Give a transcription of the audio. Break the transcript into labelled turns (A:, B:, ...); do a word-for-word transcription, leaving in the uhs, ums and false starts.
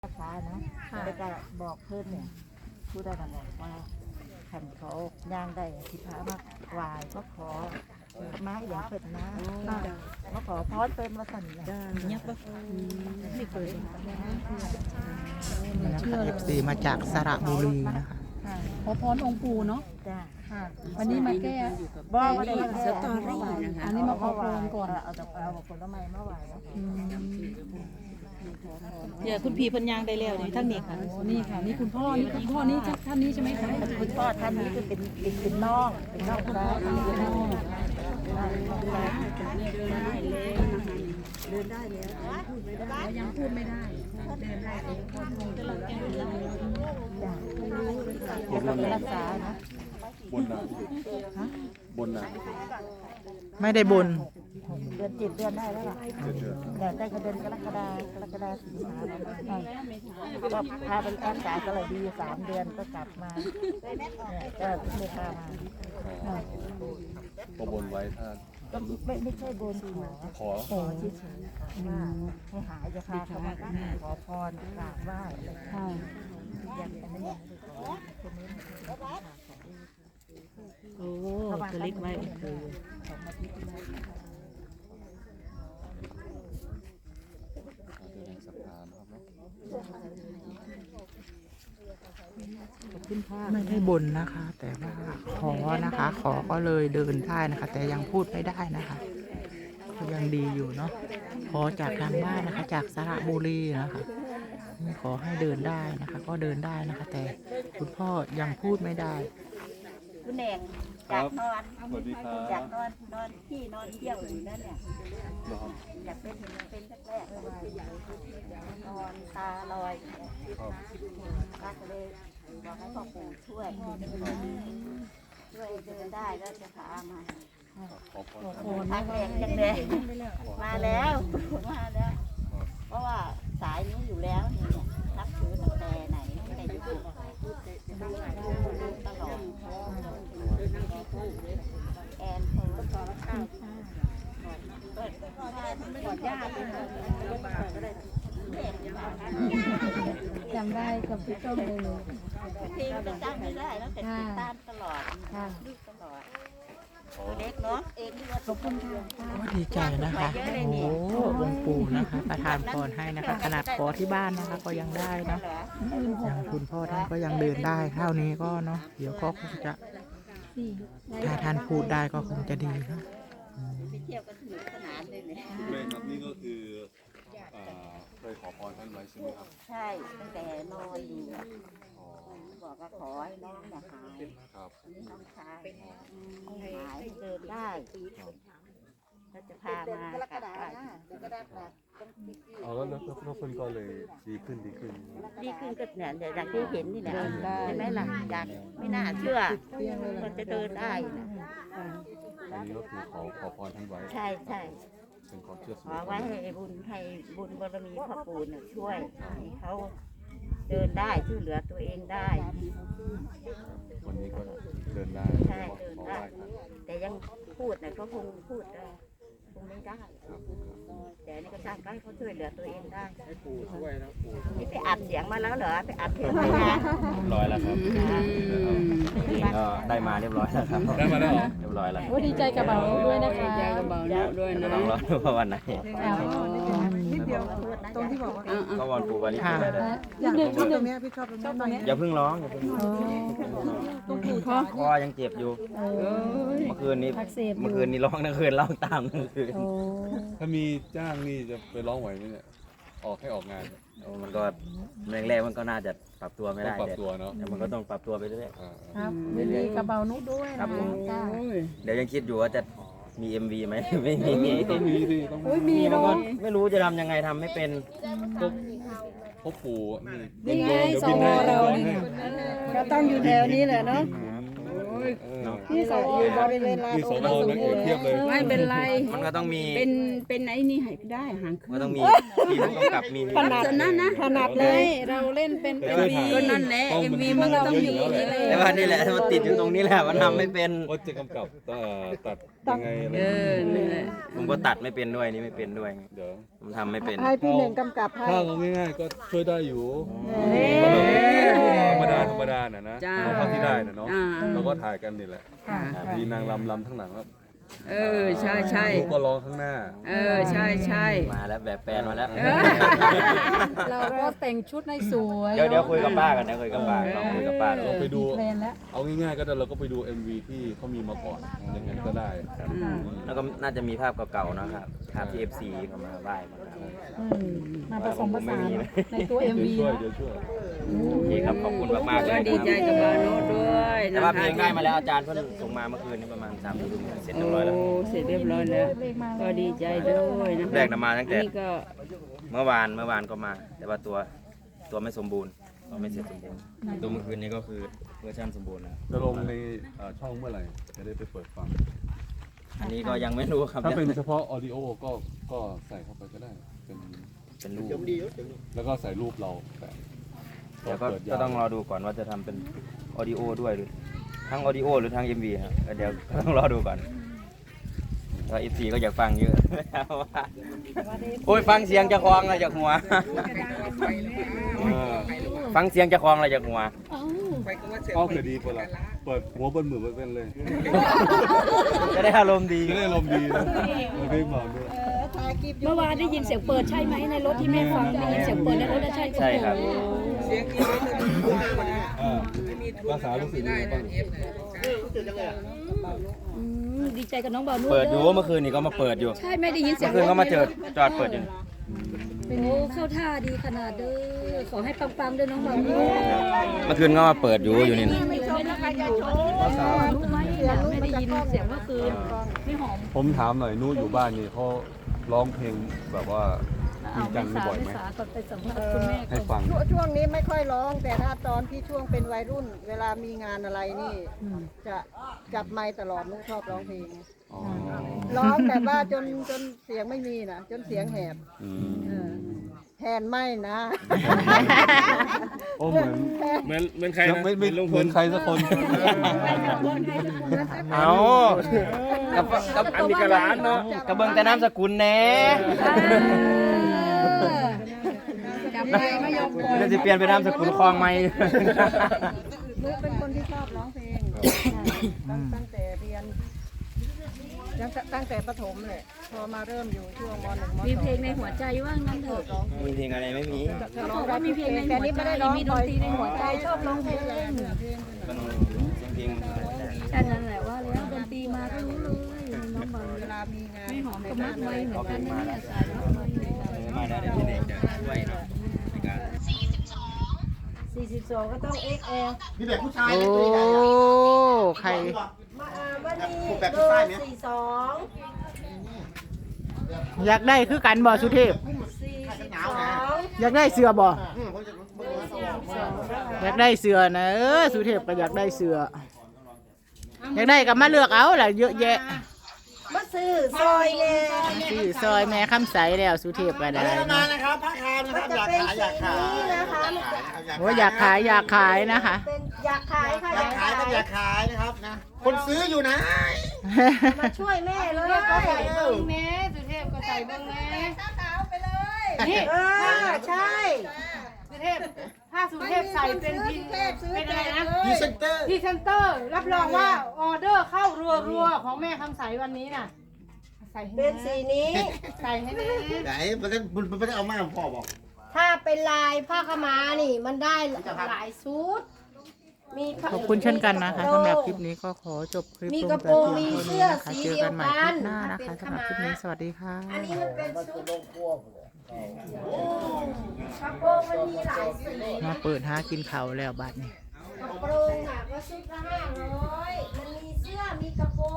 A: ภาษานะแล้วก็บอกเพื่อนเนี่ยพูดได้กันบอกว่าขันเขาย่างได้ที่พระมากวายก็ขอไม้อย่างเปิดนะก็ขอพอดเป็นมาสั่นเลยเนี่ยก็ไม่เคย
B: นะคะ เอฟ ซี มาจากสระบุรีนะคะ
C: ขอพรองค์ปู่เนาะ
A: จ้า
C: วันนี้มาแก้
A: บอกว่าได้
C: สตอรี่นะคะอันนี้มาขอพรก่อน
A: เอาแต่เอาผลไม้มาไหว้
D: เดี๋ยวคุณพี่พันยางได้แล้วนี่ทั้งนี้ค่ะ
C: นี่ค่ะนี่คุณพ่อนี่คุณพ่อนี่ท่านนี้ใช่ไหมคะ
A: คุณพ่อท่านนี้จะเป็นเป็นน้องเป็นน้องซ้ายเป็นน้องเดินได้แล้วพูดไม่ได้
C: ยังพูดไม่ได้เดินได้เองคนคงจะรักแก่เดิน
A: ได้รักษานะ
E: บนน่ะบนน่ะ
B: ไม่ได้บน
A: เดือนเจ็ดเดือนได้แล้วล่ะแต่ได้ก็เดือนกรกฎากรกฎาสิงหาก็พาไปรักษาก็เลยดีสามเดือนก็กลับมาเนี่ยก็ไม่พามา
E: ก็บนไว้ถ้า
A: ก็ไม่ไม่ใช่บนขอขอเฉยๆว่าให้หายจะพาเขามาขอพรกราบไหว้อะไรอย่างนี้อย่างนี้คนนี้
D: โอ้จะเล็กไว้คือ
B: ไม่ได้บนนะคะ แต่ว่าขอนะคะ ขอก็เลยเดินได้นะคะ แต่ยังพูดไม่ได้นะคะก็ยังดีอยู่เนาะขอจากทางบ้านนะคะ จากสระบุรีนะคะขอให้เดินได้นะคะ ก็เดินได้นะคะ แต่คุณพ่อยังพูดไม่ได้
A: คุณแดงอยากนอนอยากนอนนอนที่นอนเที่ยวอยู่นั่นเนี่ยอยากเป็นเป็นแรกๆเลยนอนตาลอยก็เลยบอกให้พ่อปู่ช่วยช่วยเดินได้แล้วจะพามาโอ้ทางแรงจังเลยมาแล้วมาแล้วเพราะว่าสายนี้อยู่แล้วนี่เนี่ยนับถือตั้งแต่ไหนไม่ได้อยู่ตลอดแอนโทรต่อละเก้าก่อนญาติ
C: จำได้กับพี่ต้มเลย
A: ทีมจะจำไม่ได้แล้วแต่ติดตามตลอดดูตลอดเล็กเนาะเองด้วยขอบคุณค่ะ
B: ก็ดีใจนะคะโอ้องค์ปู่นะคะประทานพรให้นะคะขนาดขอที่บ้านนะคะก็ยังได้เนาะอย่างคุณพ่อท่านก็ยังเดินได้เท่านี้ก็เนาะเดี๋ยวก็คงจะถ้าท่านพูดได้ก็คงจะดีนะ
A: ไปเที่ยวกันสนุกสนานเลยเนี่ย
E: แม่ครับนี่ก็คือเคยขอพรท่านไว้ใช่ไหมครับ
A: ใช่ตั้งแต่นอนอยู่บอกว่าขอให้น้องอย่าหายนี่น้องชายให้หายเดินได้แล้วจะพามากลับบ้าน
E: เอาแล้วแล้วคนก็เลยดีขึ้นดีขึ้น
A: ดีขึ้นก็เนี่ยอย่างที่เห็นนี่แหละใช่ไหมล่ะอยากไม่น่าเชื่อมันจะเดินได้นะ
E: อันนี้ก็คือขอขอพรท่านไว้
A: ใช่ใช่
E: เป็นความเชื่อส่วน
A: ขอไว้ให้บุญให้บุญบารมีพ่อปู่เนี่ยช่วยให้เขาเดินได้ช่วยเหลือตัวเองได้
E: วันนี้ก็เดินได้
A: ใช่เดินได้แต่ยังพูดเนี่ยเขาคงพูดได้คงไม่ได้แต่นี่ก็สร้างให้เขาช่วยเหลือตัวเองได้
E: ปู่ช่วยนะปู่
A: นี่ไปอัดเสียงมาแล้วเหรอไปอัดเพลงไปนะ
F: เรียบร้อยแล้วครับก็ได้มาเรียบร้อยแล้วครับ
E: ได้มาแล้วเหรอ
F: เรียบร้อยแล้ว
C: ดีใจกับเบาด้วยนะคะ
D: ดีใจกับเบาด้วยนะ
F: ต้องรอดูว่าวันไหน
C: นิดเดียวตรงที่บอกว่า
F: ก็วันปู่วันนี้
C: ได้นิดเดียวนิดเดียวพี่ชอบตรงนี้
F: อย่าเพิ่งร้องอย่าเพิ่งร้อง
C: ตรงปู่คอ
F: คอยังเจ็บอยู่เมื่อคืนนี้เมื่อคืนนี้ร้องทั้งคืนร้องตามทั้งคืน
E: ถ้ามีจ้างนี่จะไปร้องไหวไหมเนี่ยออกให้ออกงาน
F: มันก็แรกๆมันก็น่าจะปรับตัวไม่ได้
E: ปรับตัวเนาะ
F: แต่มันก็ต้องปรับตัวไปเรื่อย
C: ๆครับยินดีกับเบานุด้วยนะ
F: เดี๋ยวยังคิดอยู่ว่าจะมี เอ็ม วี ไหมไม่มี
E: ต้องมีดิต้อง
C: มีเนาะ
F: ไม่รู้จะทำยังไงทำไม่เป็น
E: พ่อปู่
C: นี่ไงสวเราเราต้องอยู่แถวนี้แหละเนาะนี่สวบริเวณลาน
E: มีสวนักเอกเทียบเลย
D: ไม่เป็นไร
F: มันก็ต้องมี
D: เป็นเป็นไอ้นี่ให้ได้หางเค
F: ก็
D: รื่อ
F: ต้อง งมีทีมผู้กำกับมี
C: ขนาดนั้นนะขนาดเลยเราเล่นเป็น
E: แต่
C: เอ็ม
E: เคย
C: วี
E: ถ่าย
D: ก็นั่นแหละ เอ็มวีมันก็ต้องอยู่อย่างนี้เลย
F: แต่ว่านี่แหละมันติดอยู่ตรงนี้แหละมันทำไม่เป็น
E: ว่าจะกำกับเอ่อตัดยังไงอะไร
D: เออนี่แหละ
F: ผมก็ตัดไม่เป็นด้วยนี่ไม่เป็นด้วย
E: เดี๋ยว
F: ผมทำไม่เป็น
C: ให้พี่หนึ่งกำกับให้
E: ถ้าเราง่ายๆก็ช่วยได้อยู่
C: เฮ้ย
E: ธรรมดาธรรมดาน่ะนะ
D: จ้า
E: เอาเท่าที่ได้น่ะเนาะ
D: อ่า
E: เราก็ถ่ายกันนี่แหละ
C: ค่ะ
E: มีนางรำรำทั้งหลังแล้ว
D: เออใช่ใช่
E: ลูกก็ร้องข้างหน้า
D: เออใช่ใช่
F: มาแล้วแบบแฟนมาแล้ว
C: เราก็แต่งชุดให้สวย
F: เดี๋ยวเดี๋ยวคุยกับป้ากันนะคุยกับป้าลองคุยกับป้าดู
E: เราไปดู
C: แพลนแล้ว
E: เอาง่ายๆก็ได้เราก็ไปดู เอ็ม วี ที่เขามีมาก่อนอย่างนั้นก็ได้
D: อืม
F: แล้วก็น่าจะมีภาพเก่าๆนะครับภาพที่ เอฟ ซี เขามาไหว้มาครับ
C: อืมมาผสมผสานในตัว เอ็ม
E: เดี๋ยว
C: วี
E: ช่วย
C: นะ
E: เดี๋ยวช่วย
F: โอเคครับขอบคุณมากๆเล
D: ก็
F: ย
D: ดีใจกับบาโนด้วย
F: แต่
D: นะ
F: ว่า
D: คะ
F: เพลงได้มาแล้วอาจารย์เพิ่งส่งมาเมื่อคืนนี้ประมาณสามทุ่มเสร็จเรียบร้อยแล้ว
D: โอ้เสร็จเรียบร้อยแล้ว ก็ดีใจด้วยนะคะ
F: แรกนำมาตั้งแต่
D: นี่ก็
F: เมื่อวานเมื่อวานก็มา แต่ว่าตัวตัวไม่สมบูรณ์ตัวไม่เสร็จสมบูรณ์ตัวเมื่อคืนนี้ก็คือเวอร์ชันสมบูรณ์แล้ว
E: จะลงในเอ่อช่องเมื่อไหร่จะได้ไปเปิดฟัง
F: อันนี้ก็ยังไม่รู้ครับ
E: ถ้าเป็นเฉพาะออดิโอก็ก็ใส่เข้าไปก็ได้ เป็น
F: เป็นรูป
E: แล้วก็ใส่รูปเราแต่
F: เดี๋ยวก็
E: เปิด
F: ก็
E: ยาว
F: ต้องรอดูก่อนว่าจะทำเป็นออดิโอด้วยหรือทั้งออดิโอหรือทั้ง เอ็ม วี ครับก็เดี๋ยวก็ต้องรอดูก่อนถ้า เอฟ ซี ก็อยากฟังเยอะ โอ้ยฟังเสียงจะคลองอะไรจากหัวเออฟังเสียงจะคลองอะไรจากหัว
E: ก็คือดีกว่าละเปิดหัวบนมือเป็นเลย
F: จะได้อารมณ์ดี
E: จะได้ลมณ์ดีนะเราได้มาด้วย
C: เมื่อวานได้ยินเสียงเปิดใช่ไหมในรถที่แม่ฟังได้ยินเสียงเปิดในรถนะใช่
F: ใช่ครับ
E: อ่าภาษารู้สึกยังไงบ้าง
C: อืมดีใจกับน้องบ่าวนุ่
F: เปิดอยู่เมื่อคืนนี่ก็มาเปิดอยู่
C: ใช่ไม่ได้ยินเสีย
F: เมื่
C: ง
F: อคืนก็มาเจอจอดเปิดอยู่
C: โอ้เข้าท่าดีขนาดเด้อขอให้ปังๆด้วยน้องบ่าวนุ่
F: เมื่อคืนก็มาเปิดอยู่อยู่นี่นะ
C: ไม่ได้ยินอยู่รู้ไหมไม่ได้ยินเสียงเมื่อคืนไม่หอม
E: ผมถามหน่อยนู้อยู่บ้านนี่เขาร้องเพลงแบบว่าจริงจังบ่อยไหม
C: ก่อนไปสัมภาษณ์คุณแม่
E: ให้ฟัง
G: ช่วงช่วงนี้ไม่ค่อยร้อง แต่ถ้าตอนที่ช่วงเป็นวัยรุ่น เวลามีงานอะไรนี่ จะจับไมค์ตลอดนุกชอบร้องเพลง
E: อ๋อ
G: ร้องแบบว่าจนจนเสียงไม่มีนะจนเสียงแหบ
E: อื
G: เอ
E: ม
G: อแทนไม่นะ
E: โอ้เหมือน
H: เหมือนเหมือนใครนะ
E: ไม่ไม่
H: เหมือนลุงพ
E: เหมือ
H: ล
E: นใครสักคน
F: เอากับกับ
H: อันนี้กระหลานเนาะ
F: กับเบิ้งแต่น้ำสกุลแหน่
C: จับไมค์ไม่ยอมปล่อย
F: เดี๋ยวจะเปลี่ยนเป็นน้ำสกุลคลองไหม
G: นุกเป็นคนที่ชอบร้องเพลงตั้งตั้งแต่เรียนตั้งแต่ตั้งแต่ประถมเลยพอมาเริ่มอยู่ช่วงมหนึ่งมสอง
C: มีเพลงในหัวใจว่างั้นเถอะ
F: มีเพลงอะไรไม่มี
C: เขาบอกว่ามีเพลงในหัวใจมีดนตรีในหัวใจชอบร้องเพลง
F: มันเพลง
C: แค่นั้นแหละว่าแล้วดนตรีมาก็รู้เลยน้องบอล
G: เวลามีงาน
C: ไม่หอมก็มัดไว้เหมือนกันนะเนี่ยสายมัดไว้เหมือนกัน
F: มาได้เดี๋ยวพี่เด็กจะช่วยเนาะในการ
G: สี่สิบสองก็ต้อง เอ็กซ์ แอล
I: มีแบบผู้ชาย
B: โอ้
I: ไหมตัวใหญ่ๆอะ
B: ใคร
G: มาอ่าวันนี้
I: แบบ
G: เบ
I: ผู้
G: อ
I: ชาย
G: ร์
I: ไหม
G: สี่สอง
B: อยากได้คือกันบ่สุเทพ
G: สี่สิบสอง
B: อยากได้เสือบ่
I: อืมผมจะผมจะ
B: อยากได้เสือนะเออสุเทพก็อยากได้เสืออยากได้ก็มาเลือกเอาล่ะเยอะแยะ
G: มาซื้อซอยเลย
B: ซื้อซอยแม่คำใสแล้วสุเทพก็ได้
I: ได้มานะครับผ้าคามนะครับ
G: มัน
I: อ
G: จะ
I: ยาก
G: เป็น
I: ขาย
G: สี
I: อยากขาย
G: นี้นะคะ
I: อยากขายอยากขาย
B: โอ้อยากขายอยากขายนะคะ
G: เป็นอยากขายค่ะอยาก ก
I: อายขา
G: ขาย ย
I: ครับอยากขายนะครับนะ คนซื้ออยู่นะ
G: มาช่วยแม่เลย
C: ก็ใส่เบิ้งแม่สุเทพก็ใส่เบิ้งแม่
G: นี่เออใช่
J: สุเทพถ้าสุเทพใส่เป็นพินเป็นอะไรนะ
I: พรีเซนเตอร์
J: พรีเซนเตอร์ รับรองว่าออเดอร์เข้ารัวๆของแม่คำใสวันนี้น่ะ ใส่ให้
G: เป็นสีนี้
J: ใส่ให้แม่
I: ไหนมันจะมันไม่ได้เอามาพ่อบอก
G: ถ้าเป็นลายผ้าขาวม้านี่มันได้หลายชุดมีผ้า
B: ขอบคุณเช่นกันนะคะสำหรับคลิปนี้ก็ขอจบคลิป
G: มี
B: ลง
G: กระ
B: แต่
G: โปรง
B: เพี
G: มี
B: ยงเท่า
G: เสื้
B: นี้
G: อ
B: นะคะ
G: สี
B: เจอ
G: เดีย
B: กั
G: วน
B: ใหม่ค
G: กั
B: ลิ
G: น
B: ปหน้านะคะสำหรับคลิปนี้สวัสดีค่ะ
G: อันนี้มันเป็นชุดกระโปรงมันมีหลายสี
B: มาเปิดหากินเขาวแล้วบัดนี้
G: กระโปรงอ่ะก็ชุดละห้าร้อยมันมีเสื้อมีกระโปรง